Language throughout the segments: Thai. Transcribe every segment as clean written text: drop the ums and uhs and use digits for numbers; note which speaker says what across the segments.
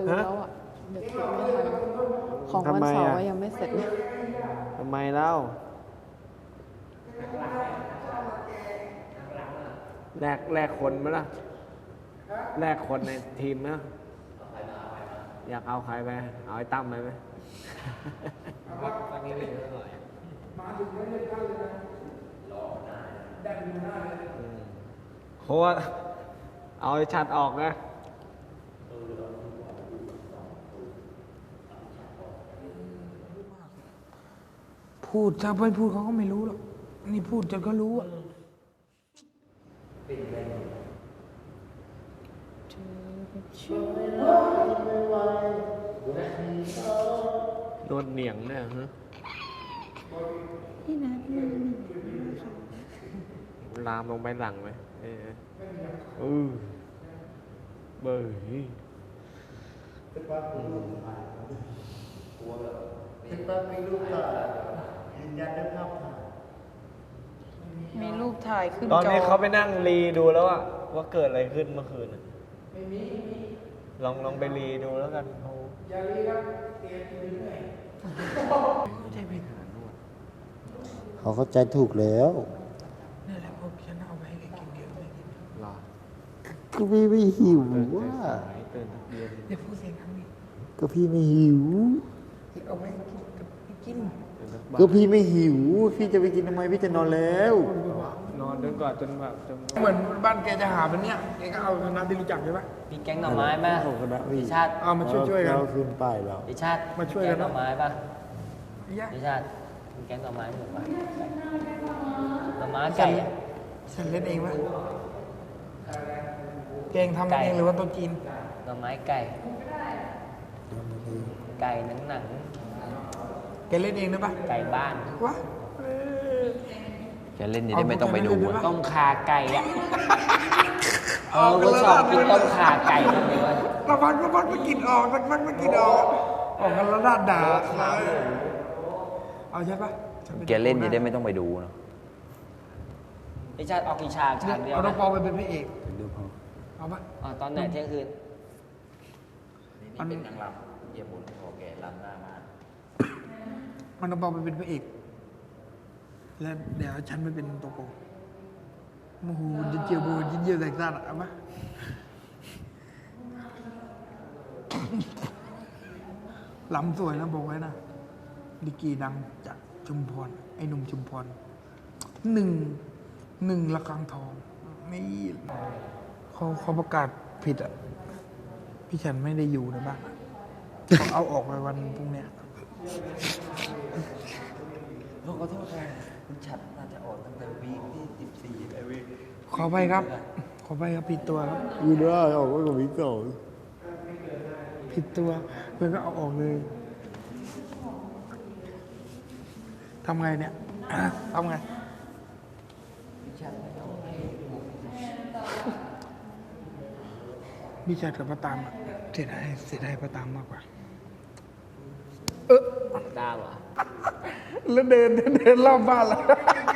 Speaker 1: ลืมแล้วอ่ะเดี๋ยวคิดไม่ทันของวันเสาร์ยังไม่เสร็จเลย
Speaker 2: ทำไมเล่าแลกคนไหมล่ะแลกคนในทีมนะอยากเอาใครไปเอาไอ้ตั้มไปไหมตั้งนี้เลยหน่อยโค้ชเอาไอ้ชัดออกนะ
Speaker 3: พูดถ้าไม่พูดเขาก็ไม่รู้หรอกนี่พูดจนก็รู้อะ
Speaker 2: โดนเหนียงเนี่ยฮะ
Speaker 1: พี่นัทเนี่ย
Speaker 2: ลามลงไปหลังไหมเบย
Speaker 4: พี่ป้ามีรูปถ่ายยืนยันด้วยภาพถ่าย
Speaker 3: มีรูปถ่ายขึ้น
Speaker 2: ตอน
Speaker 3: จอ
Speaker 2: นี้เขาไปนั่งรีดูแล้วอะว่าเกิดอะไรขึ้นเมื่อคืนลองไปรีดูแล้วกันเขา
Speaker 4: เขาเข้าใจถูกแล้ว
Speaker 3: นี่แหละพวกฉันเอาไปให้แกกินเดียวไม่กิน
Speaker 2: รอ
Speaker 4: ก็พี่ไม่หิวว่า
Speaker 2: เตือนทุกเย็น
Speaker 3: เดี๋ยวพูดเสียงดังดิ
Speaker 4: ก็พี่ไม่หิว
Speaker 3: เอาไปให้กินกับไปกิน
Speaker 2: เตือนทุกบ้าน
Speaker 4: ก็พี่ไม่หิว พี่จะไปกินทำไมพี่จะนอนแล้ว
Speaker 2: นอนจนกว่าจนแบบจน
Speaker 3: เหมือนบ้านแกจะหาเป็นเนี้ยแกก็เอาคณะที่รู้จักใช่ปะ
Speaker 5: มีแก๊งหน่อไม้ป่ะ
Speaker 4: ของคณะพี่
Speaker 5: พี่ชาติ
Speaker 3: เอามาช่วยๆกัน
Speaker 4: เราขึ้นป้ายแล้ว
Speaker 5: พี่ชาติ
Speaker 3: มาช่วยกัน
Speaker 5: แก๊งหน่อไม้ป่ะ
Speaker 3: ไอ้ยะ
Speaker 5: พี่ชาติมีแก๊งหน่อไม้หรือเปล่าหน่อไม้ไก่อะ
Speaker 3: ฉันเล่นเองปะแกงทำเองหรือว่าตัวจีน
Speaker 5: หน่อไม้ไก่ ไก่หนัง
Speaker 3: แกเล่นเองได้ปะ
Speaker 5: ๆไก่บ้าน
Speaker 3: วะ
Speaker 6: จะเล่นจะได้ไม่ต้องไปดูอะ
Speaker 5: ต้มขาไก่อะกูชอบกินต้มขาไก่ทำไมวะ
Speaker 3: ระพักไม่กินออกสักพักไม่กินออกออกกันแล้วด้านด่าเอาใช่ปะฉัไป
Speaker 6: แกเล่นจะได้ไม่ต้องไปดูเนอะ
Speaker 5: พี่ชาติออกกี่ฉากฉากเดียว
Speaker 3: เอาน้อ
Speaker 5: นะ
Speaker 3: งปอไปเป็นพระเอกเอาปะ
Speaker 5: อ๋อตอนไหนเที่ยงคืน
Speaker 3: มัน
Speaker 6: เป็นนางรำเยี่ยมบุญโอเครำหน้ามา
Speaker 3: มันน้องปอไปเป็นพระเอกแล้วเดี๋ยวฉันไปเป็นตัวโกงโอ้โหจะเจียวบูจะเจียวแตกซ่านเอาปะลำสวยนะบอกไว้นะดิกีดังจากชุมพรไอ้หนุ่มชุมพรหนึ่งระฆังทองนี่เขาประกาศผิดอ่ะ พี่ฉันไม่ได้อยู่ในบ้านอะเขาเอาออกไปวันพรุ่งเนี้ย
Speaker 6: ขอโทษค่ะคุณฉัดน่าจะออกตั้งแต่วีคที่14ไอ้วีค
Speaker 3: ขอไปครับ ขอไปครับผิดตัวครับ
Speaker 4: ยืนได้ออกมากับวิกก่อน
Speaker 3: ผิดตัวเพื่อนก็เอาออกเลยทำไงเนี่ย ทำไงพี่ชัดกับป้าตามอะเสียดายป้าตามมากกว่า
Speaker 5: ดาวเหรอ
Speaker 3: แล้วเดินรอบบ้านแล้ว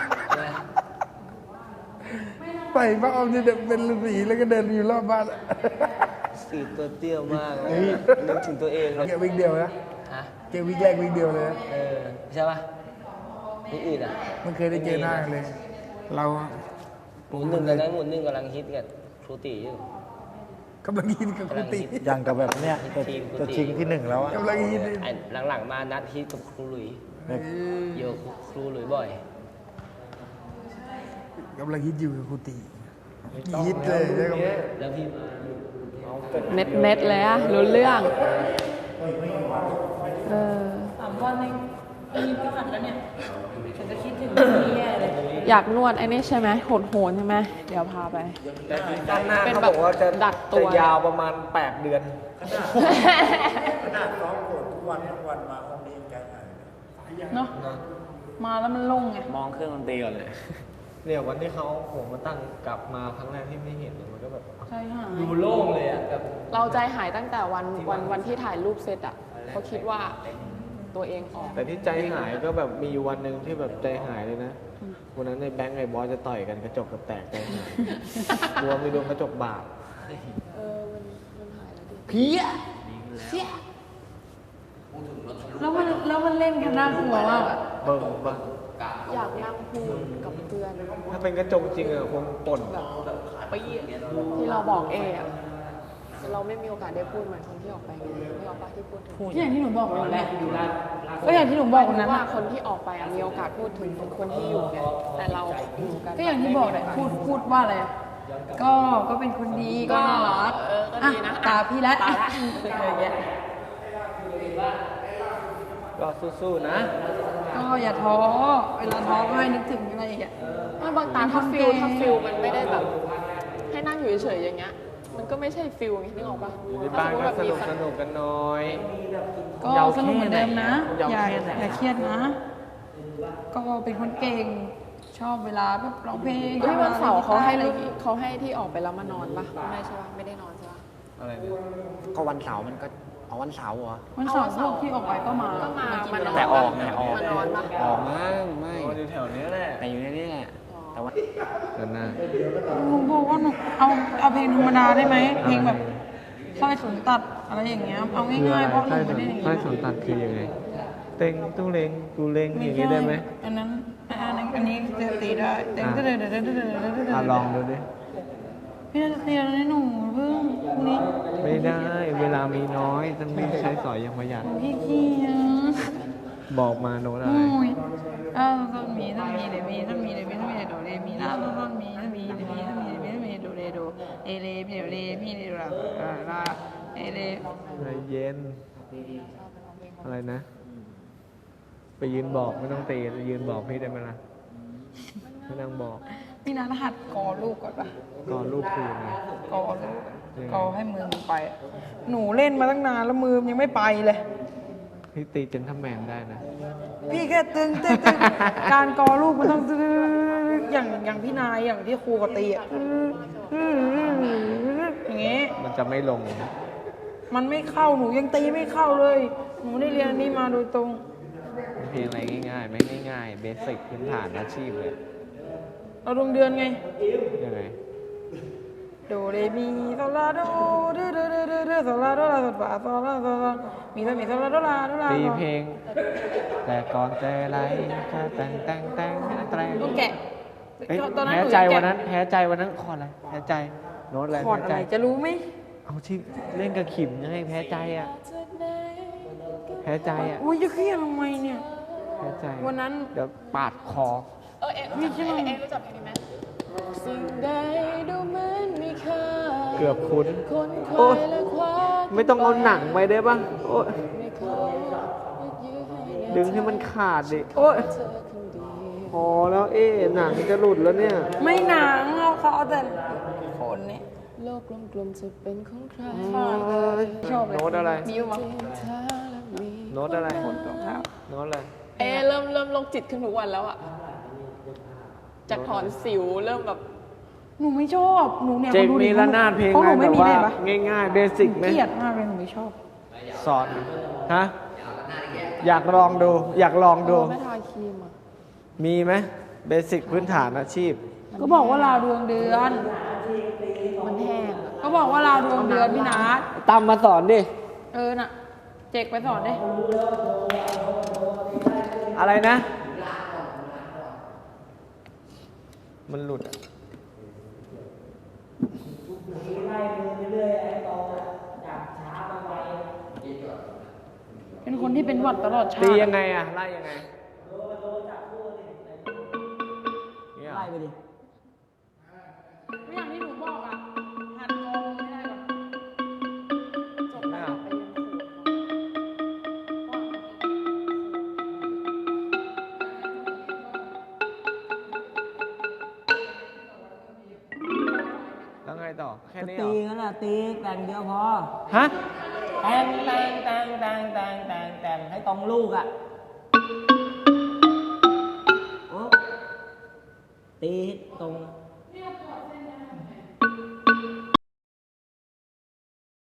Speaker 3: ไปป้าออมจะเดินเป็นฤาษีแล้วก็เดินอยู่รอบบ้านอะ
Speaker 5: สีตัวเตี้ยมากเลยนึกถึงตัวเองเลย
Speaker 3: เกี่ยววิ่งเดียวนะ
Speaker 5: ฮะ
Speaker 3: เกี่ยววิ่งแรกวิ่งเดียวเลยนะ
Speaker 5: ใช่ป่ะนี่อื่นอ่ะ
Speaker 3: มันเคยได้เจอหน้ากันเลย เราอะ
Speaker 5: หมุนหนึ่งกันนะหมุนหนึ่งกำลังฮิตกันครูตีอยู่
Speaker 3: กำลังยินกับครูติ
Speaker 4: อย่างกับแบบเนี้ยจะชิงที่หนึ่งแล้วอะ
Speaker 3: กำลังยิน
Speaker 5: ไอ้หลังๆมานัดฮิตกับครูหลุยเยอะครูหลุยบ่อย
Speaker 3: กำลังฮิตอยู่กับครูตีฮิตเลยใช่ไหม
Speaker 5: แล้วพี่มา
Speaker 1: เน็ตเลยอะรู้เรื่องเออ
Speaker 7: 3 วันเองมีพฤหัสแล้วเนี่ย ฉันจะคิดถึงนี่แย่เลย
Speaker 1: อยากนวดไอ้นี่ใช่ไหมโหนใช่ไหมเดี๋ยวพาไป
Speaker 2: แต่ด้านหน้า
Speaker 1: เป็น
Speaker 2: เขา
Speaker 1: แบบ
Speaker 2: บอกว่าจะ
Speaker 1: ดักตัว
Speaker 2: จะยาวประมาณ8 เดือน
Speaker 4: ขนาดซ้อมโกรธทุกวันมาห้องนี้ใจหาย
Speaker 7: เนาะ มาแล้วมันโล่งไง
Speaker 6: มองเครื่องดนตรีก่อนเลย
Speaker 2: เนี่ยวันที่เขาผมมาตั้งกลับมาครั้งแรกที่ไม่เห็นมันก็แบบ
Speaker 7: ใช่ค่ะ
Speaker 5: ดูโล่งเลยอ่ะแบบ
Speaker 1: เราใจหายตั้งแต่วันที่ถ่ายรูปเสร็จอ่ะเขาคิดว่าตัวเองออก
Speaker 2: แต่ที่ใจหายก็แบบมีอยู่วันหนึ่งที่แบบใจหายเลยนะวันนั้นในแบงค์ไอ้บอสจะต่อยกันกระจกกับแตกใจหายกลัวมีดวงกระจกบาด
Speaker 1: เออมันหายแล้วดิ
Speaker 3: เพี้ย
Speaker 2: ดี
Speaker 7: แล้วมันเล่นกันน่ากลัวมากอะ
Speaker 2: เบิ่งเบิ่ง
Speaker 1: อยากนั่งพูดกับเพื่อน
Speaker 2: ถ้าเป็นกระจกจริงอะคงป่น
Speaker 1: ที่เราบอกเอะเราไม่มีโอกาสได้พูดเหมือนคนที่ออกไปไงที่ออกไปที่พูดถึง
Speaker 7: ก็อย่างที่หนูบอกวันนั้นก็อย่างที่หนูบอกวันนั้น
Speaker 1: ว่า
Speaker 7: อะ
Speaker 1: คนที่ออกไปอะมีโอกาสพูดถึงคนที่อยู่ไงแต่เราอยู่กัน
Speaker 7: ก็อย่างที่บอกเลยพูดว่าอะไรอะก็เป็นคนดีก็น่ารัก
Speaker 1: ก็
Speaker 7: อ่ะ
Speaker 1: ดีนะ
Speaker 7: ตาพี่แล้ว
Speaker 1: ตาละ
Speaker 7: อะไรอย่างเงี้ย
Speaker 2: ก็สู้ๆนะ
Speaker 7: ก็อย่าท้อเวลาท้อก็ให้นึกถึงอะไรอย่างเงี้ย
Speaker 1: ไม่บางตาถ้าฟิลมันไม่ได้แบบ ให้นั่งอยู่เฉยๆอย่างเงี้ย มันก็ไม่ใช่ฟิลไงนึกออกปะ
Speaker 2: อยู่ในบ้านก็สนุกกันหน่อย
Speaker 7: ก็สนุกเหมือนเดิมนะ
Speaker 2: ยาว
Speaker 7: อย่า
Speaker 2: แค่ไหน
Speaker 7: อย่าเครียดนะ ก็เป็นคนเก่งชอบเวลาแบบร้องเพลง
Speaker 1: ที่วันเสาร์เขาให้
Speaker 7: อะไร
Speaker 1: เขาให้ที่ออกไปแล้วมานอนปะไม่ใช่ปะไม่ได้นอนใช่ปะ
Speaker 2: อะไรเนี่ย
Speaker 5: ก็วันเสาร์มันก็เอาวันเสาร์เหรอ
Speaker 7: วันเสาร์พวกที่ออกไปก็มา
Speaker 1: ก็มา
Speaker 7: กิน
Speaker 1: มานอน
Speaker 5: แต่ออกไงออก
Speaker 1: มานอนปะ
Speaker 5: ออกมั้งไม่
Speaker 2: นอนอยู่แถวนี้แหละ
Speaker 5: แต่อยู่ในนี้แหละแต่ว่า
Speaker 2: เดินหน้า
Speaker 7: หนูบอกว่าหนูเอาเพลงธรรมดาได้ไหมเพลงแบบสร้อยสนตัดอะไรอย่างเงี้ยเอาง่ายๆเพราะหนูไม่ได้อย่าง
Speaker 2: ใต้
Speaker 7: งี้
Speaker 2: สนตัดคือยังไง เต็งตู้เล็งกูเล็งอย่างงี้ได้ไหม
Speaker 7: อันนี้จะตีได้แต่ก็เดิน
Speaker 2: อ่ะลองดูดิ
Speaker 7: พี่น่าจะตีแล้วนะหนูเพิ่งพรุ่งนี้
Speaker 2: ไม่ได้ เวลามีน้อยต้องรีบใช้สอยอย่างประหยัด
Speaker 7: พี่ขี้อ่ะ
Speaker 2: บอกมาโน้ตอะไร
Speaker 7: โอ้ยต้นมีเดมีโดเรมีลาต้นมีเดมีโดเรโดเอเลมีโดเรมีโดลาลาเอเล
Speaker 2: ใจเย็น อะไรนะ ไปยืนบอกไม่ต้องตียืนบอกพี่ได้ไหมล่ะไม่ต้องบอก
Speaker 7: พี่นัทหัดกอลูกก่อนปะ
Speaker 2: ก่อนลูกคืนไง
Speaker 7: กอลูกกอให้มือมันไป หนูเล่นมาตั้งนานแล้วมือยังไม่ไปเลย
Speaker 2: พี่ตีเจนทำแมนได้นะ
Speaker 7: พี่แค่ตึงการกอลูกมันต้องตึงอย่างพี่นายอย่างที่ครูก็ตีอ่ะอย่างเงี้ย
Speaker 2: มันจะไม่ลง
Speaker 7: มันไม่เข้าหนูยังตีไม่เข้าเลย หนูได้เรียนอันนี้มาโดยตรง
Speaker 2: เพลงอะไรง่ายๆ ไม่ง่ายๆเบสิกพื้นฐานอาชีพเลย
Speaker 7: เราดวงเดือนไง
Speaker 2: ยังไง
Speaker 7: โดเรมีโซลาโดโดโซลาโดลาโซฟาโซลาโซลามีโซลาโดลาโดลา
Speaker 2: ตีเพลง แต่ก่อนแต่ไรแค่แต่งแตร
Speaker 7: ต้องแกะ
Speaker 2: เอ้ย
Speaker 7: ตอนนั้น
Speaker 2: แพ้
Speaker 7: หนู
Speaker 2: ใจ
Speaker 7: ยังแกะ
Speaker 2: วันนั้นแพ้ใจวันนั้นคอร์ดอะไรแพ้ใจโน้ตอะไร
Speaker 7: คอร์ด
Speaker 2: แพ้
Speaker 7: อะ
Speaker 2: ใจ
Speaker 7: ไรจะรู้ไหม
Speaker 2: เอาที่เล่นกับขิมยังไงแพ้ใจอ่ะแพ้ใจอ่ะ
Speaker 7: อุ้ยจะเครียดทำไมเนี่ย
Speaker 2: แพ้ใจ
Speaker 7: วันนั้น
Speaker 2: เดี๋ยวปาดคอ
Speaker 1: เอ็รู้จักเพลงนี้ไหมสิ่งใดดูเหมือนมีค่า
Speaker 2: เกือบคุ้น
Speaker 1: คนค
Speaker 2: โอ๊
Speaker 1: วาย ยและคว้า
Speaker 2: ไม่ต้องเอาหนังไปได้ปะโอ้ย
Speaker 1: ไม่เคยยื้อให้
Speaker 2: ดึงให้มันขาดดิ โอ้ย
Speaker 1: เธอคนเดียว
Speaker 2: พอแล้วหนังจะหลุดแล้วเนี่ย
Speaker 7: ไม่หนังเขาเอาแต่คนเนี่ย
Speaker 1: โลกกลมๆจะเป็นของใคร
Speaker 7: ชอบเลย
Speaker 2: โน้ตอะไร
Speaker 7: มีมั้ง
Speaker 1: เธอและมี
Speaker 2: โน้ตอะไร
Speaker 7: คนรองเท้า
Speaker 2: โน้ตอะไร
Speaker 1: เริ่มโรคจิตขึ้นทุกวันแล้วอะจากถอนสิวเริ่มแบบ
Speaker 7: หนูไม่ชอบหนูเนี่ย
Speaker 2: เจก
Speaker 7: ขาดูดิ
Speaker 2: มีระนาดเพลง
Speaker 7: พวก
Speaker 2: อะ
Speaker 7: ห
Speaker 2: ไร
Speaker 7: นู
Speaker 2: แบ
Speaker 7: ไม่
Speaker 2: บ
Speaker 7: มี
Speaker 2: ว่า
Speaker 7: เลยปะ
Speaker 2: ง่ายๆเบสิกไหม
Speaker 7: เกลียดมากเลยหนูไม่ชอบ
Speaker 2: สอนฮะอยากลองดู อยากลองดู
Speaker 1: ไม่ทาครีมอะ
Speaker 2: มีไหมเบสิกพื้นฐานอาชีพ
Speaker 7: ก็บอกว่าลาดวงเดือน
Speaker 1: มันแห้งอะ
Speaker 7: ก็บอกว่าลาดวงเดือนพี่นัท
Speaker 2: ตั้มมาสอนดิ
Speaker 7: น่ะ เจกไปสอนดิ
Speaker 2: อะไรนะ มันหลุดอะ
Speaker 7: เป็นคนที่เป็นหวัดตลอดชา
Speaker 2: ตี
Speaker 7: ติ
Speaker 2: ยังไงอะไล่ยังไงเนี่ยเหรอ
Speaker 5: ไล่ไปดิ
Speaker 7: ก็อย่างที่หนูบอกอ่ะหัดกองไม่ได้หรอก
Speaker 1: จบแล้วไปเรียนโขน
Speaker 2: แล้วไงต่อ แค่
Speaker 5: ก็
Speaker 2: นี้เหร
Speaker 5: ตี
Speaker 2: อ
Speaker 5: กันแหละตีแต่งเดียวพอ
Speaker 2: ฮะ
Speaker 5: แต่งให้ตรงลูกอ่ะโอ้ตีตรง